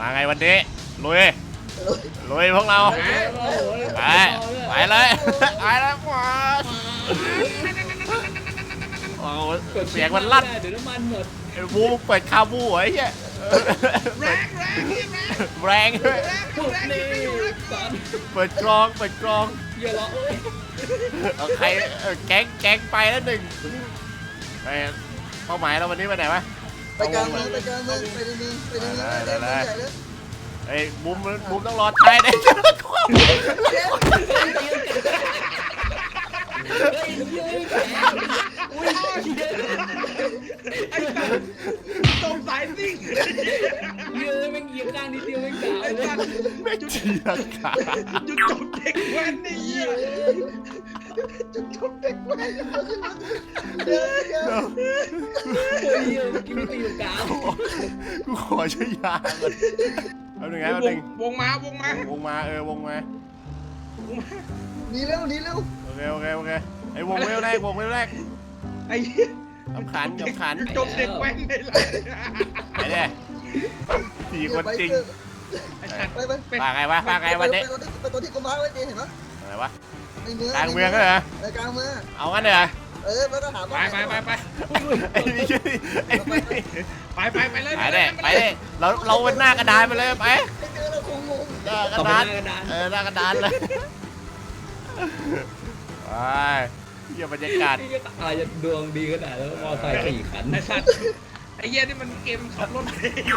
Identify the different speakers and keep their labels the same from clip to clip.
Speaker 1: มาไงวันนี้ลุยพวกเราไปเลยไปแล้วว้าเสียงมันลั่น
Speaker 2: เดี๋ยวน้ำมันหมด
Speaker 1: บูเปิดคาบูไอ้เหี้ยแรงเปิดกรอง
Speaker 2: อย่าล้อ
Speaker 1: เอาใครแก๊งไปแล้วหนึ่งเป้าหมายเราวันนี้ไปไหนวะ
Speaker 3: ไปกลางเมืองไปในเมือง
Speaker 1: ไอ้บูมต้องรอท้ายได้จะรอความ
Speaker 4: ตรงสายซิ่ง
Speaker 2: เยอะแม่งเหยียบกลางนิดเดียวแม่งกาว
Speaker 1: ไม่เจียงขา
Speaker 4: จุดจบเด็กแว้นนี่
Speaker 3: จุดจบเด็กแว้น
Speaker 2: เยอะกินไม่ตีกาว
Speaker 1: กูขอใช้ยาก่อนเอาหนึ่งไงเอาหนึ่ง
Speaker 4: วงมา
Speaker 1: วงมา
Speaker 3: หนีเร็ว
Speaker 1: โอเคไอ้วงเวลแรก
Speaker 4: ไอ้
Speaker 1: สำคัญ
Speaker 4: จบเด็กแว้นเลย
Speaker 1: ไอ้เนี่ยสี่คนจริง
Speaker 3: ไป
Speaker 1: ไงวะวันนี้
Speaker 3: ไปตัวที่กูมาร์คไว้เห็นไหม
Speaker 1: อะไรวะ
Speaker 3: ในเมือง
Speaker 1: กลางเมืองก็เหร
Speaker 3: อกลางเมือง
Speaker 1: เอางั้นเลย
Speaker 3: แล้วก็หา
Speaker 4: ไป
Speaker 1: ไอ้นี่
Speaker 4: ไปเลย
Speaker 1: ไปเลยเราเป็นหน้ากระดานไปเลยไป
Speaker 3: เจอเราคงงง
Speaker 1: กระดานหน้ากระดานเลยไปเยี่ยมบรรยากาศ
Speaker 2: อาจจะดวงดีขนาดแล้วมอไซค์4 คัน
Speaker 4: ไอ้สัตว์ไอ้เหี้ยนี่มันเกมขับรถ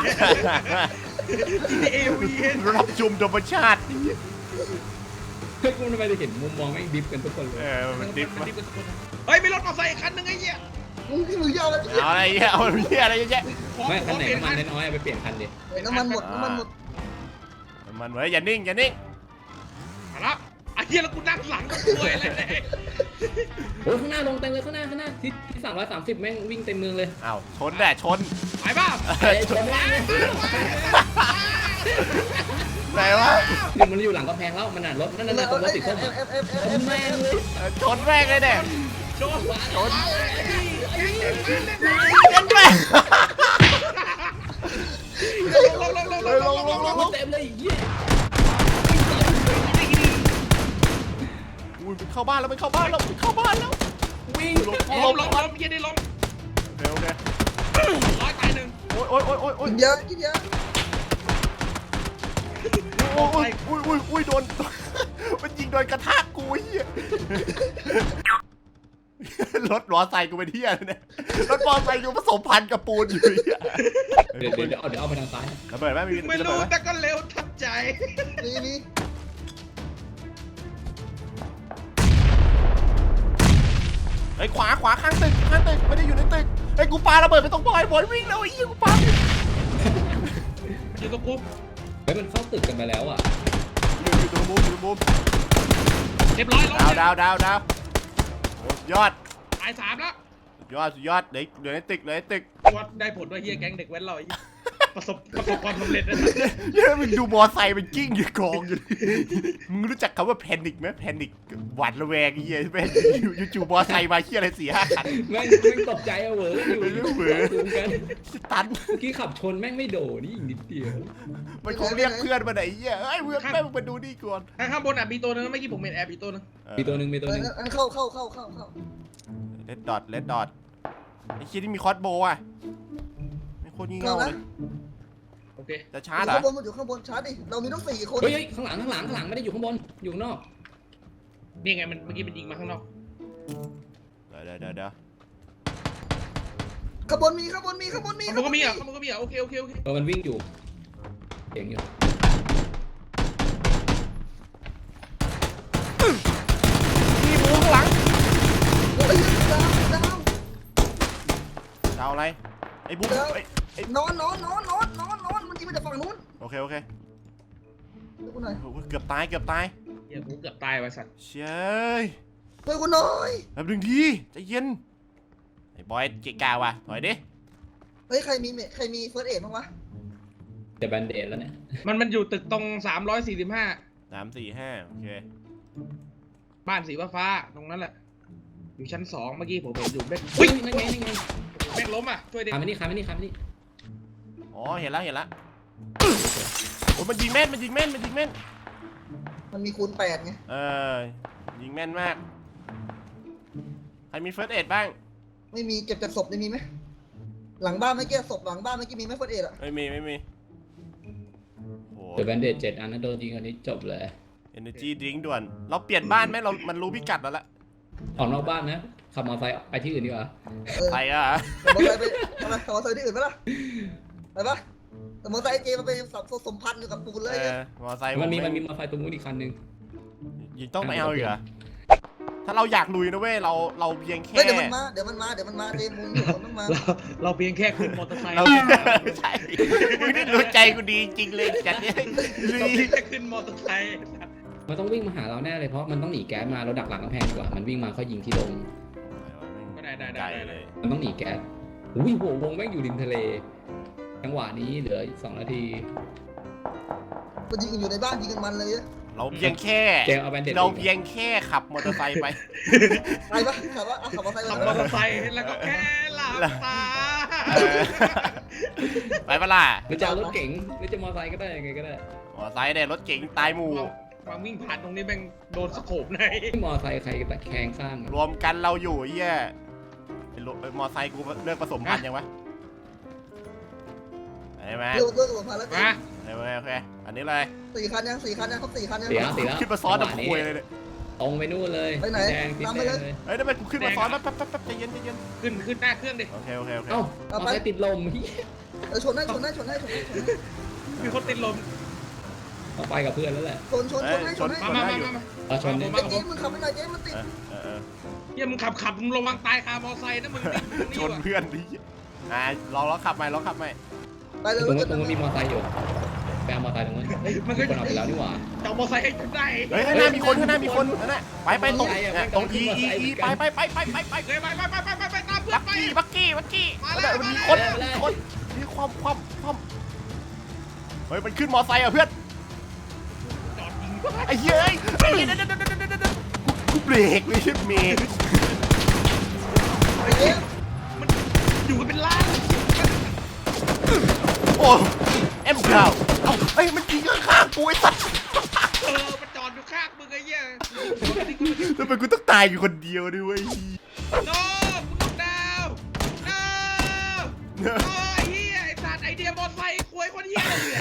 Speaker 4: เอวี
Speaker 1: รับชมธรรมชาติ
Speaker 2: เฮ้ยกูทำไมได้เห็นมุมมองแม่งดิฟกันทุกคนเลย
Speaker 1: มันดิฟ
Speaker 4: เฮ้ยมีรถมอเตอร์ไซค์คันนึงไอ้เหี้ย
Speaker 3: มึงยาวแล้ว
Speaker 1: เอาอะไรเงี้ยเอาอะไรเยอะ
Speaker 2: ไม่คันไหนน้ำมันน้อยๆไปเปลี่ยนคันดิ
Speaker 3: น้ำมันหมด
Speaker 1: เว้ยอย่านิ่ง
Speaker 4: มาแล้วไอ้เหี้ยแล้วกูนั่งหลังก็ป่วยเลย
Speaker 2: โอ้ข้างหน้าลงเต็มเลยข้างหน้าที่330แม่งวิ่งเต็มเมืองเลย
Speaker 1: อ้าวชนแหละชน
Speaker 4: ไปบ้า
Speaker 2: ชน
Speaker 1: ไหนวะ
Speaker 2: มันอยู่หลังกำแพงแล้วมันรถนั่นตรงรถติดส้มแม่งเลย
Speaker 1: ชนแม่งเลยเนี่ย
Speaker 4: ชน
Speaker 2: ลงเต็มเลย
Speaker 1: อุ้ยมันเข้าบ้านแล้ววิ่ง
Speaker 4: ล้มยังได้ล้ม
Speaker 1: เร็วเลย
Speaker 4: ร้อยตายหนึ่ง
Speaker 1: โอ้ย
Speaker 3: กินเยอะ
Speaker 1: อุ้ยโดนมันยิงโดนกระทากกูเหี้ยรถมอไซค์กูเป็นเหี้ยเนี่ยรถมอไซค์กูผสมพันธุ์กับปูนอยู่
Speaker 2: เดี๋ยวเอาไปทางซ้าย
Speaker 1: ระเบิดไหม
Speaker 4: ไม่รู้แต่ก็เร็วทับใจ
Speaker 3: นี่
Speaker 1: ไอ้ขวาข้างตึกไม่ได้อยู่ในตึกไอ้กูปาระเบิดไปตรงบอยวิ่งแล้วไอ้เหี้ยกูปา
Speaker 4: อยู่ตรงกู
Speaker 2: เฮ้ยมันเข้าตึกกันไปแล้วอ่ะ
Speaker 1: อยู่ตรงมุม
Speaker 4: เรียบร้อย
Speaker 1: ดาวยอด
Speaker 4: ตาย3แล้ว
Speaker 1: ยอดเดี๋ยวในตึก
Speaker 4: วัดได้ผลด้วยเฮียแก๊งเด็กแว้นเราประสบความสำเร็จนะ
Speaker 1: มึงดูมอไซค์มันกิ้งอยู่กองอยู่มึงรู้จักคำว่าแพนิคไหมแพนิคหวาดระแวงเหี้ยแม่งอยู่จู่มอไซค์มาเหี้ยอะไร4-5 คัน
Speaker 2: แม่งตกใจอะเวอร์อยู่กัน
Speaker 1: ตัน
Speaker 2: เมื่อกี้ขับชนแม่งไม่โดนี่อีกนิดเดียว
Speaker 1: มันคงเรียกเพื่อนมาไหนเหี้ยเฮ้ยเพื่อนแม่งมาดูนี่ก่อน
Speaker 4: ข้างบนมีตัวนึงเมื่อกี้ผมเห็นแอบมีตัวนึง
Speaker 3: เข้า
Speaker 1: เลดดอทไอ้คิดที่มีคอสโบอ่ะไม่โคตรงี่เง่าเลย
Speaker 4: โอเค
Speaker 1: จะชาร์จเหรอ
Speaker 3: มันอยู่ข้างบนชาร์จดิเรามีต้อง4 คน
Speaker 2: เฮ้ยข้างหลังไม่ได้อยู่ข้างบนอยู่ข้างนอก
Speaker 4: นี่ไงมันเมื่อกี้มันยิงมาข้างนอก
Speaker 1: เดี๋ยว
Speaker 3: ข้างบนมี
Speaker 4: มันก็มีอ่ะโอเค
Speaker 2: มันวิ่งอยู่เก่งอยู่
Speaker 1: มีบูข้างหลัง
Speaker 3: ดาว
Speaker 1: อะไรไอ้บู
Speaker 3: นอนมันยิงมาจากฝั่งนู้น
Speaker 1: โอเค
Speaker 3: กูหน่อย
Speaker 1: เกือบตาย
Speaker 4: เฮียกูเกือบตายว่ะสัตว์
Speaker 1: เชย
Speaker 3: ช่วยกูหน่อย
Speaker 1: แบบนึงทีใจเย็นไอ้บอยเกะกะว่ะถอยดิ
Speaker 3: เฮ้ยใครมีเฟิร์สเอดบ้างวะ
Speaker 2: จะแบนเดดแล้วเนี่ย
Speaker 4: มันอยู่ตึกตรง345
Speaker 1: 345โอเค
Speaker 4: บ้านสีฟ้าตรงนั้นแหละอยู่ชั้น2เมื่อกี้ผมเห็นอยู่เบ็ด
Speaker 2: นั่นไง
Speaker 4: แม่งล้มอ่ะช่วยดิ
Speaker 2: คาไม่นี่
Speaker 1: อ๋อเห็นแล้วโอ้มันยิงแม่นมันยิงแม่นมันยิงแม่น
Speaker 3: มันมีคูณ8ไง
Speaker 1: ยิงแม่นมากใครมีเฟิร์สเอ็ดบ้าง
Speaker 3: ไม่มีเก็บจากศพได้มีไหมหลังบ้านเมื่อกี้ศพหลังบ้านเมื่อกี้มีไหมเฟิร์สเอ็ดอะ
Speaker 1: ไม่มีโอ้
Speaker 2: เดี๋ยวแบนเดจ7 อันนั้นโดนยิงอันนี้จบเลย
Speaker 1: energy drink ด่วนเราเปลี่ยนบ้านไหมเรามันรู้พิกัดแล้วละ
Speaker 2: ออกนอกบ้านนะขับมอเตอร์ไซค์ไปที่อื่นดีกว่า
Speaker 1: ไปอ่ะ
Speaker 3: แต่มอเตอร์ไซค์ไปทำไมมอเตอร์ไซค์ที่อื่นไหมล่ะไปปะแต่มอเตอร์ไซค์เจมันไปสมพันธ์อยู่กับปูนเลยไง
Speaker 1: มอไซค์
Speaker 2: มันมีมอเตอร์ไซค์ตรงนู้นอีกคันนึง
Speaker 1: ยิงต้องไปเอาอีกเหรอถ้าเราอยากลุยนะเว้ยเราเพียงแค่
Speaker 3: เฮ้ยเดี๋ยวมันมาเจมึงอยู่คนต้องมา
Speaker 4: เราเพียงแค่ขึ้นมอเตอร์ไซค์
Speaker 1: เราใช่มึงนี่รู้ใจกูดีจริงเลยจัดเนี่ยลุ
Speaker 4: เรา
Speaker 1: ย
Speaker 4: เพียงแค่ขึ้นมอเตอร์ไซค์
Speaker 2: มันต้องวิ่งมาหาเราแน่เลยเพราะมันต้องหนีแก๊สมาเราดักหลังกำแพงดีกว่ามันวิ่งมาเขายิงที่ลง
Speaker 1: ไกลเลย
Speaker 2: มันต้องหนีแก๊สอุ้ยโหวงแม่งอยู่ริมทะเลจังหวะนี้เหลืออีก2 นาที
Speaker 3: มันยิงกันอยู่ในบ้านยิงกันมันเลยอะ
Speaker 1: เราเพียงแค่
Speaker 2: เจมเอาแบนเดจ
Speaker 1: เราเพียงแค่ขับมอเตอร์ไซค์ไป
Speaker 3: ไปปะขับว่าขับมอเตอร์ไซค์
Speaker 4: ขับ
Speaker 3: ไป
Speaker 4: มอเตอร์ไซค์แล้วก็แค่หลับตา
Speaker 1: ไปปะล่ะ
Speaker 2: หรือจะเอารถเก๋งหรือจะมอเตอร์ไซค์ก็ได้ยังไงก็ได้
Speaker 1: มอเตอร์ไซค์เนี่ยรถเก๋งตายหมู่
Speaker 4: วางวิ่งผ่านตรงนี้แม่งโดนสโคปใน
Speaker 2: มอเตอร์ไซค์ใครตะแคงข้าง
Speaker 1: รวมกันเราอยู่เฮียไอ้รถมอไซค์กูเลิกผสมพันธุ์ยังวะไอ้แม่
Speaker 3: เรื่องสมพันธ์แล้ว
Speaker 4: มา
Speaker 1: โอเคอันนี้เลย
Speaker 3: 4 คันยัง4 คันยังครบ4 คันยัง
Speaker 2: เสียแล้ว
Speaker 1: ขึ้นมาซ้อนดับคุยเลยเนี่ย
Speaker 2: ตรงไปนู่นเลย
Speaker 3: ไปไหน
Speaker 2: แดงติด
Speaker 3: ตาม
Speaker 2: แด
Speaker 3: ไปเลย
Speaker 2: งเลย
Speaker 1: เฮ้ยทำไมกูขึ้นมาซ้อนแป๊บใจเย็น
Speaker 4: ขึ้นหน้าเครื่องดิ
Speaker 1: โอเค
Speaker 2: เอ้ามอเตอร์ไซค์ติดลม
Speaker 3: ชนได้
Speaker 4: มีคนติดลม
Speaker 2: ต้องไปกับเพื่อนแล้วแหละ
Speaker 3: ชนให้
Speaker 4: มา
Speaker 2: เอาชนเนี่ย
Speaker 3: เจ๊มึงขับไปหน่อยเจ๊มันติด
Speaker 4: เฮียมึงขับมึงระวังตายคามอไซค์นะมึง
Speaker 1: ชนเพื่อนดิลองขับใหม่
Speaker 3: ไปเลย
Speaker 2: ตรงนู้นมีมอเตอร์ไซค์อยู่ไปเอามอเตอร์ไซค์ตรงนู้น
Speaker 4: มัน
Speaker 2: มี
Speaker 4: ก็
Speaker 2: คนเอาไปแล้วนี่หว่า
Speaker 4: จะมอไซค์ให้ได้
Speaker 1: เฮ้ยข้างหน้ามีคนนั่นน่ะไปตรงไปไป
Speaker 4: ไปตามเพื่อนไป
Speaker 1: บักกี้มันมีคนมีความเฮ้ยมันขึ้นมอไซค์อ่ะเพื่อน
Speaker 4: จอดยิง
Speaker 1: ไอ้เหี้ยกูเบรกไม่ใช่เมย์
Speaker 4: มันอยู่กันเป็นล้าน
Speaker 1: โอ้เอ็มเก้าเอ้ยมันยิงข้างกูไอ้สัตว์
Speaker 4: มันจอดอยู่ข้างมึงไอ้เหี้ย
Speaker 1: ทำไมกูต้องตายอยู่คนเดียวด้วย
Speaker 4: โน้มึงดาวโอ้ยเหี้ยไอ้สัตว์ไอเดียมอไซค์ควยคนเหี้ยเลย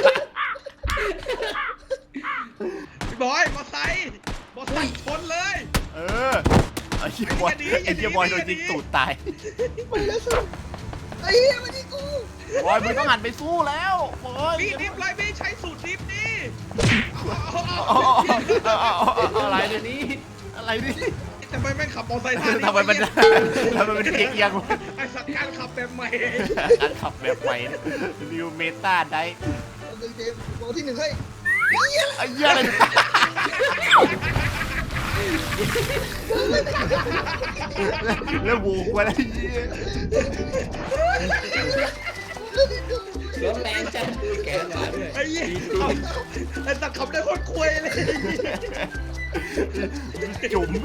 Speaker 4: พี่บอยมอไซค์ชนเลย
Speaker 1: ไอ้เหี้ยบอยโดนยิงตูดตาย
Speaker 3: มันเลยสุดไอ้เหี้ยมันยิงกู
Speaker 1: บอยมึงต้องหันไปสู้แล้วบอย
Speaker 4: พี่ดิฟเลยพี่ใช้สูตรดิฟนี่
Speaker 1: อะไรนี่อะไรนี่
Speaker 4: ทำไมแม่งขับมอไซค์ท่านี้
Speaker 1: ทำไมมันเอียง
Speaker 4: ไอสัตว์การขับแบบใหม่
Speaker 1: การขับแบบใหม่นิวเมตาได้
Speaker 3: เจมโบที่1ให้
Speaker 1: ไอ้เหี้ยอะไรแล้วบูกว่าอะไรเหี้ย
Speaker 2: รถแรงจัดแกนมาด้วย
Speaker 4: ไอ้เหี้ยไอสัตว์ขับได้โคตรควยเลย
Speaker 1: จุ๋ม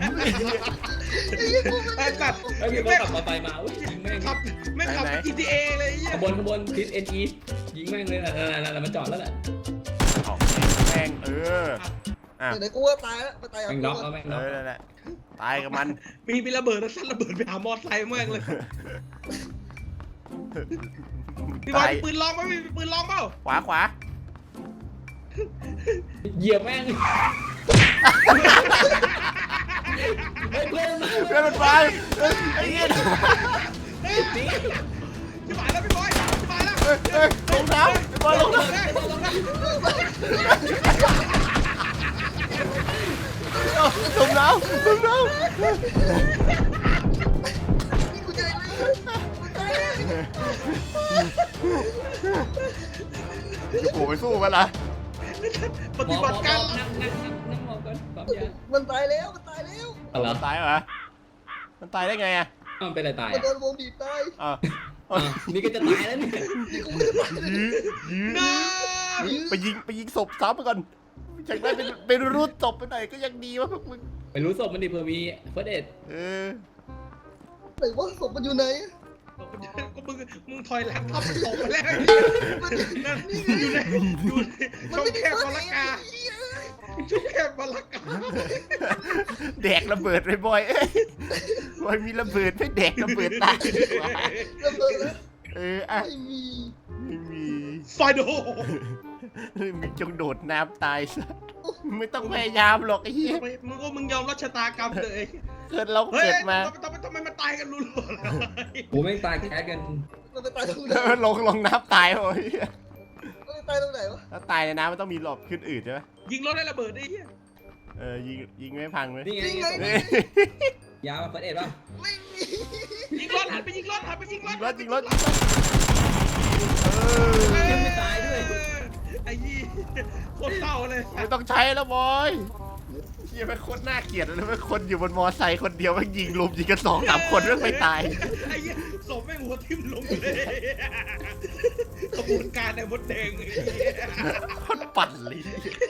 Speaker 4: ไอสัตว์
Speaker 2: ไอ้พี่ก็ขับมอเตอร์ไซค์มาอุ้ยยิงแม่ง
Speaker 4: ขับไม่ขับ GTA เลยไอ้เหี้ย
Speaker 2: ขบวนทิศ NE ยิงแม่งเลยนั่นมันจอดแล้วแหละ
Speaker 1: แม่ง
Speaker 3: เดี๋ยวกูว่าตายแล้วตาย
Speaker 2: แม่งน็อกแล้วแม่งน็อก
Speaker 1: นั่นแหละตายกับมัน
Speaker 4: มีระเบิดแล้วสั้นระเบิดไปหามอไซค์แม่งเลยพี่บอยมีปืนลองไหมมีปืนลองเปล่า
Speaker 1: ขวา
Speaker 2: เหยียบแม่งเพื่อนมา
Speaker 1: เพื่อนมันไปไอ้เหี้ย
Speaker 4: พี่บอยแล้วพี่บอยแล้ว
Speaker 1: ลงน้ำบอยลงน้ำลงน้ำ
Speaker 3: นี่กูจะได้
Speaker 1: จะโผล่ไปสู้มันล่ะ
Speaker 4: ปฏิบัติการ
Speaker 2: นั่งมองก่อนปั๊มยา
Speaker 3: มันตายแล้ว
Speaker 2: อะไร
Speaker 1: ตายเหรอมันตายได้ไงอ่ะ
Speaker 2: มันเป็นอะไรตาย
Speaker 3: มันโดนวงบีบตาย
Speaker 2: นี่ก็จะตายแล้วเนี่ย
Speaker 3: นี่กูไม่ได้ตาย
Speaker 1: ไปยิงศพซ้ำไปก่อนจากนั้นเป็นรูดศพไปไหนก็ยังดีวะพวกมึง
Speaker 2: ไปรู้ศพมันดิเผื่อมีเฟิร์สเอ็ด
Speaker 1: เออ
Speaker 3: ไหนว่าศพมันอยู่ไหน
Speaker 4: ก็มึงถอยหลังทับตกไปแล้วนั่นอยู่ในช่องแคบมรกาช่องแคบมรกา
Speaker 1: แดกระเบิดไปบ่อยเอ้ยบอยมีระเบิดไม่แดกระเบิดตายดีกว่า
Speaker 3: ระเบิดแล้ว
Speaker 1: อ่ะ
Speaker 3: ไม่มี
Speaker 1: ไม่มี
Speaker 4: ไฟโด
Speaker 1: มึงจงโดดน้ำตายซะไม่ต้องพยายามหรอกไอ้เหี้ย
Speaker 4: มึงยอมรับชะตากรรมเลย
Speaker 1: เกิดเรา
Speaker 4: เฮ้ย
Speaker 1: เกิดมา
Speaker 4: ทำไมมันตายกันรัวๆเลย
Speaker 2: โอ้แม่งตายแคสกัน
Speaker 3: มันไปตายตรงไหน
Speaker 1: ลงน้ำตายโอ้ย
Speaker 3: มันไปตายตรงไหนวะ
Speaker 1: ถ้าตายในน้ำมันต้องมีหลบขึ้นอืดใช่ไหม
Speaker 4: ยิงรถได้ระเบิดได้เหี้ย
Speaker 1: ยิงไม่พังเลย
Speaker 2: นี่ไง
Speaker 3: นี่ไง
Speaker 1: เอ้ย
Speaker 2: ยามาเฟิร์สเอ็ดป่ะ
Speaker 3: ไม่มี
Speaker 4: ยิงรถหันไปยิงรถ
Speaker 1: ยิงรถ
Speaker 2: ยังไม่ตายด้วย
Speaker 4: ไอ้ยี่โคตรเศร้าเลย
Speaker 1: ไม่ต้องใช้แล้วบอยเฮียเป็นคนน่าเกลียดเลยเป็นคนอยู่บนมอไซค์คนเดียวมันยิงลุมยิงกัน2-3 คนไม่ตาย
Speaker 4: ไอ้ยี่ศพแม่งหัวทิ่มลงเลยขบวนการในมดแดงไอ้เหี้ย
Speaker 1: คนปั่นเลย